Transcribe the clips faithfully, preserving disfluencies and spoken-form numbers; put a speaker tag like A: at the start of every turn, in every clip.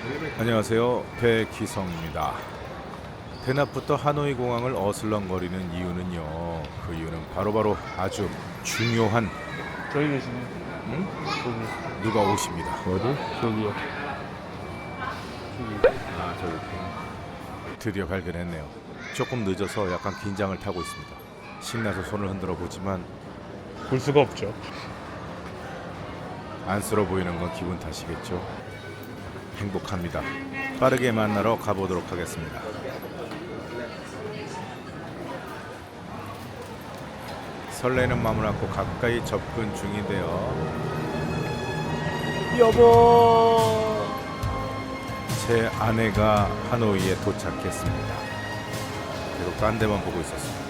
A: 안녕하세요, 백희성입니다. 대낮부터 하노이 공항을 어슬렁거리는 이유는요. 그 이유는 바로바로 아주 중요한
B: 저기 계시네.
A: 응?
B: 저기.
A: 누가 오십니다.
B: 어디? 저기요. 저기.
A: 아, 저기 드디어 발견했네요. 조금 늦어서 약간 긴장을 타고 있습니다. 신나서 손을 흔들어 보지만
B: 볼 수가 없죠.
A: 안쓰러워 보이는 건 기분 탓이겠죠. 행복합니다. 빠르게 만나러 가보도록 하겠습니다. 설레는 마음을 안고 가까이 접근 중인데요. 여보, 제 아내가 하노이에 도착했습니다. 계속 딴 데만 보고 있었습니다.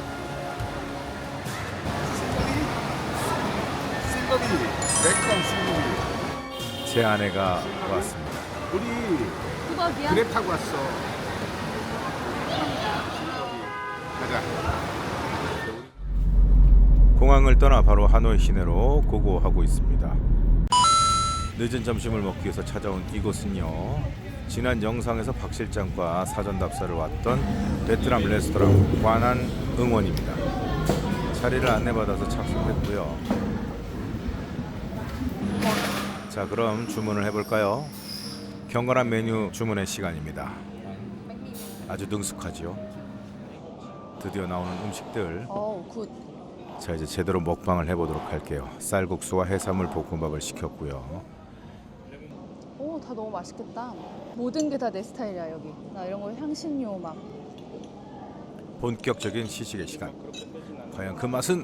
C: 싱거비, 매콤 싱거비.
A: 제 아내가 왔습니다.
C: 우리
D: 수박이야?
C: 그래 타고 왔어. 가자.
A: 공항을 떠나 바로 하노이 시내로 고고하고 있습니다. 늦은 점심을 먹기 위해서 찾아온 이곳은요, 지난 영상에서 박 실장과 사전 답사를 왔던 베트남 레스토랑 관한 응원입니다. 자리를 안내받아서 착석했고요. 자, 그럼 주문을 해볼까요? 경건한 메뉴 주문의 시간입니다. 아주 능숙하지요. 드디어 나오는 음식들.
D: 어우 굿.
A: 자, 이제 제대로 먹방을 해보도록 할게요. 쌀국수와 해산물 볶음밥을 시켰고요.
D: 오, 다 너무 맛있겠다. 모든 게 다 내 스타일이야 여기. 나 이런 거 향신료 막.
A: 본격적인 시식의 시간. 과연 그 맛은?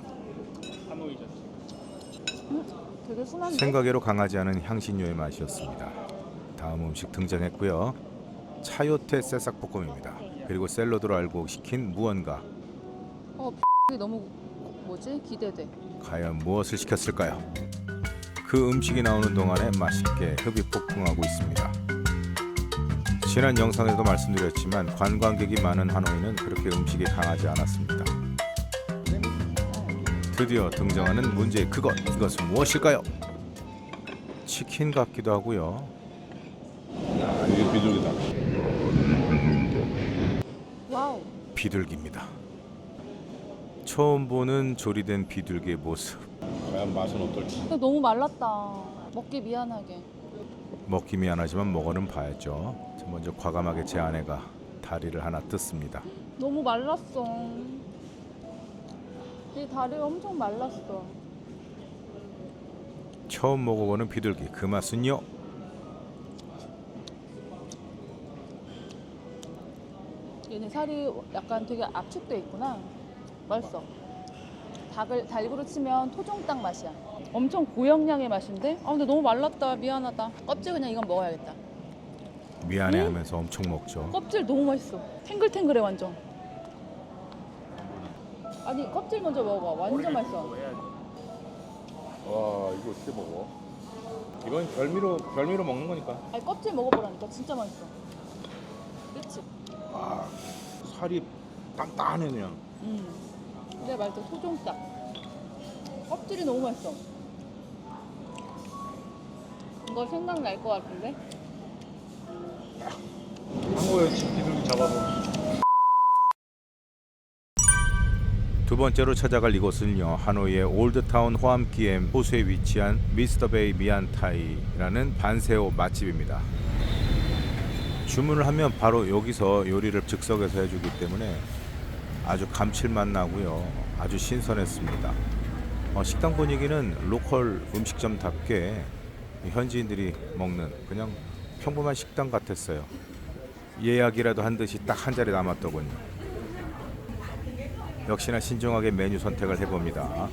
D: 음, 되게 순한데?
A: 생각외로 강하지 않은 향신료의 맛이었습니다. 다음 음식 등장했고요. 차요테 새싹볶음입니다. 그리고 샐러드로 알고 시킨 무언가.
D: 어, 이게 너무 뭐지? 기대돼.
A: 과연 무엇을 시켰을까요? 그 음식이 나오는 동안에 맛있게 흡입 폭풍하고 있습니다. 지난 영상에도 말씀드렸지만 관광객이 많은 하노이는 그렇게 음식이 강하지 않았습니다. 드디어 등장하는 문제의 그것, 이것은 무엇일까요? 치킨 같기도 하고요.
C: 야, 이게 비둘기다.
D: 와우.
A: 비둘기입니다. 처음 보는 조리된 비둘기의 모습.
C: 과연 맛은 어떨지.
D: 근데 너무 말랐다. 먹기 미안하게.
A: 먹기 미안하지만 먹어는 봐야죠. 먼저 과감하게 제 아내가 다리를 하나 뜯습니다.
D: 너무 말랐어. 이 다리가 엄청 말랐어.
A: 처음 먹어보는 비둘기, 그 맛은요?
D: 얘네 살이 약간 되게 압축돼 있구나. 맛있어. 닭을 달구로 치면 토종닭 맛이야. 엄청 고영양의 맛인데? 아 근데 너무 말랐다. 미안하다. 껍질 그냥 이건 먹어야겠다.
A: 미안해하면서 엄청 먹죠.
D: 껍질 너무 맛있어. 탱글탱글해 완전. 아니 껍질 먼저 먹어봐. 완전 맛있어.
C: 와, 이거 어떻게 먹어? 이건 별미로 별미로 먹는 거니까.
D: 아니 껍질 먹어보라니까. 진짜 맛있어. 그치?
C: 아, 살이 단단해 그냥.
D: 음. 근데 맛있어. 토종닭. 껍질이 너무 맛있어. 이거 생각날 것 같은데?
B: 한국에 비둘기 잡아서.
A: 두 번째로 찾아갈 이곳은요, 하노이의 올드타운 호암기엠 호수에 위치한 미스터베이 미안타이라는 반세오 맛집입니다. 주문을 하면 바로 여기서 요리를 즉석에서 해주기 때문에 아주 감칠맛 나고요, 아주 신선했습니다. 어, 식당 분위기는 로컬 음식점답게 현지인들이 먹는 그냥 평범한 식당 같았어요. 예약이라도 한 듯이 딱 한 자리 남았더군요. 역시나 신중하게 메뉴 선택을 해봅니다.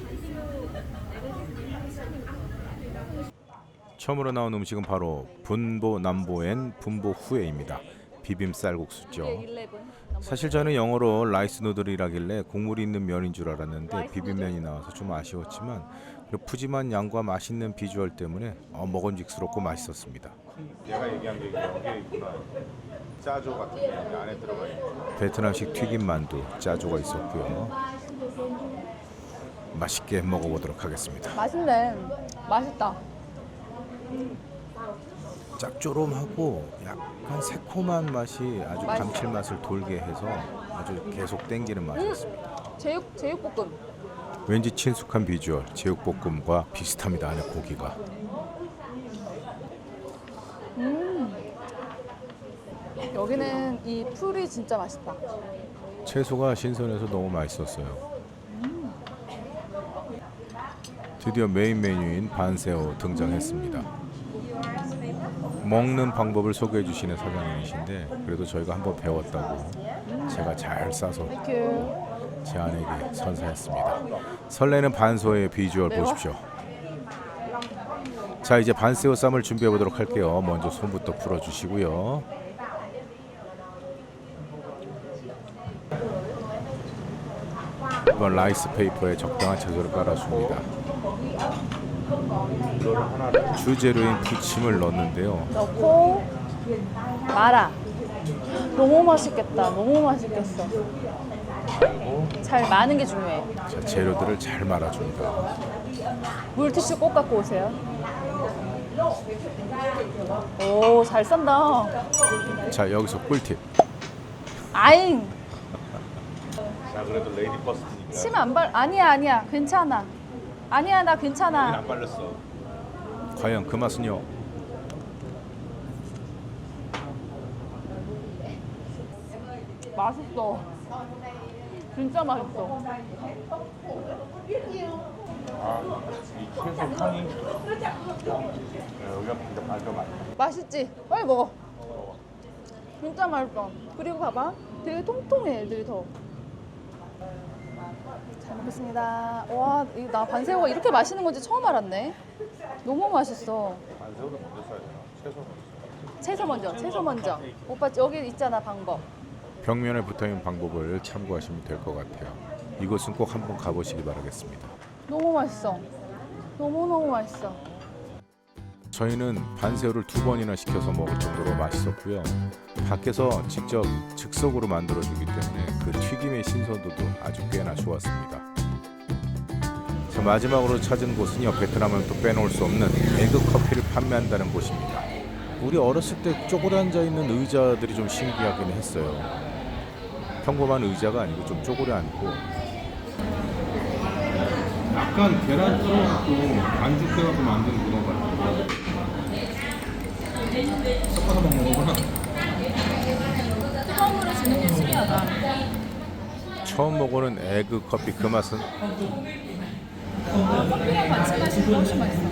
A: 처음으로 나온 음식은 바로 분보 남보엔 분보 후에입니다. 비빔 쌀국수죠. 사실 저는 영어로 라이스 누들이라길래 국물이 있는 면인 줄 알았는데 비빔면이 나와서 좀 아쉬웠지만 그 푸짐한 양과 맛있는 비주얼 때문에 어, 먹음직스럽고 맛있었습니다.
C: 얘가 얘기한 게 여기에 있구나. 짜조 같은 게 안에 들어가 있는.
A: 베트남식 튀김 만두 짜조가 있었고요. 맛있게 먹어보도록 하겠습니다.
D: 맛있네. 맛있다.
A: 짭조름하고 약간 새콤한 맛이 아주
D: 맛있어.
A: 감칠맛을 돌게 해서 아주 계속 땡기는 맛이었습니다.
D: 제육 제육볶음.
A: 왠지 친숙한 비주얼, 제육볶음과 비슷합니다. 안에 고기가.
D: 음. 여기는 이 풀이 진짜 맛있다.
A: 채소가 신선해서 너무 맛있었어요. 드디어 메인 메뉴인 반새우 등장했습니다. 먹는 방법을 소개해 주시는 사장님이신데 그래도 저희가 한번 배웠다고 제가 잘 싸서
D: 땡큐.
A: 제 아내에게 선사했습니다. 설레는 반새우의 비주얼
D: 매워?
A: 보십시오. 자, 이제 반새우 쌈을 준비해 보도록 할게요. 먼저 손부터 풀어 주시고요. 이번 라이스 페이퍼에 적당한 채소를 깔아줍니다. 주재료인 부침을 넣는데요.
D: 넣고 말아. 너무 맛있겠다. 너무 맛있겠어. 잘 마는 게 중요해.
A: 자, 재료들을 잘 말아줍니다.
D: 물티슈 꼭 갖고 오세요. 오, 잘 싼다.
A: 자, 여기서 꿀팁.
D: 아잉.
C: 자 그래도 레이디 버스트니까
D: 침 안 발. 아니야, 아니야. 괜찮아. 아니야, 나 괜찮아.
C: 안 발렸어.
A: 과연 그 맛은요?
D: 맛있어. 진짜 맛있어.
C: 이 채소 향이 여기가 진짜 발표 많다.
D: 맛있지? 빨리 먹어. 진짜 맛있어. 그리고 봐봐. 되게 통통해, 애들이 더. 잘 먹겠습니다. 와, 이- 나 반새우가 이렇게 맛있는 건지 처음 알았네. 너무 맛있어.
C: 반새우를 먼저 써야 되나? 채소 먼저.
D: 채소 먼저, 채소 먼저. 오빠 여기 있잖아, 방법.
A: 벽면에 붙어있는 방법을 참고하시면 될 것 같아요. 이곳은 꼭 한번 가보시기 바라겠습니다.
D: 너무 맛있어. 너무너무 맛있어.
A: 저희는 반새우를 두 번이나 시켜서 먹을 정도로 맛있었고요. 밖에서 직접 즉석으로 만들어주기 때문에 그 튀김의 신선도도 아주 꽤나 좋았습니다. 자, 마지막으로 찾은 곳은요, 베트남은 또 빼놓을 수 없는 에그 커피를 판매한다는 곳입니다. 우리 어렸을 때 쪼그려 앉아 있는 의자들이 좀 신기하긴 했어요. 평범한 의자가 아니고 좀 쪼그려 앉고 약간 계란 썰어갖고 반죽해갖고 만든 그런 거 같아요. 섞어서 먹는 거구나.
D: 처음으로 주는 게 신기하다.
A: 처음 먹어는 에그 커피 그 맛은
D: 커피랑 같이 마시면 훨씬 맛있어.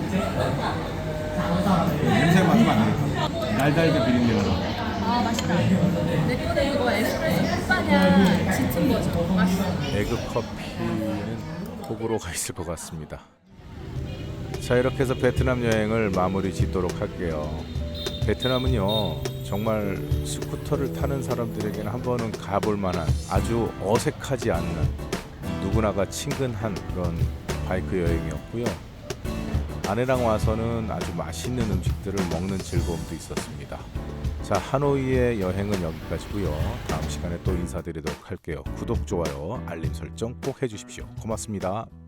A: 냄새 맡으면 안 되겠다. 날달게 비린내가 나.
D: 아, 맛있다. 내 거는 이거 에스프레소 햇바냐 짙은 거죠. 맛있어.
A: 에그 커피는 호불호가 있을 것 같습니다. 자, 이렇게 해서 베트남 여행을 마무리 짓도록 할게요. 베트남은요, 정말 스쿠터를 타는 사람들에게는 한 번은 가볼 만한 아주 어색하지 않는 누구나가 친근한 그런 바이크 여행이었고요. 아내랑 와서는 아주 맛있는 음식들을 먹는 즐거움도 있었습니다. 자, 하노이의 여행은 여기까지고요. 다음 시간에 또 인사드리도록 할게요. 구독, 좋아요, 알림 설정 꼭 해주십시오. 고맙습니다.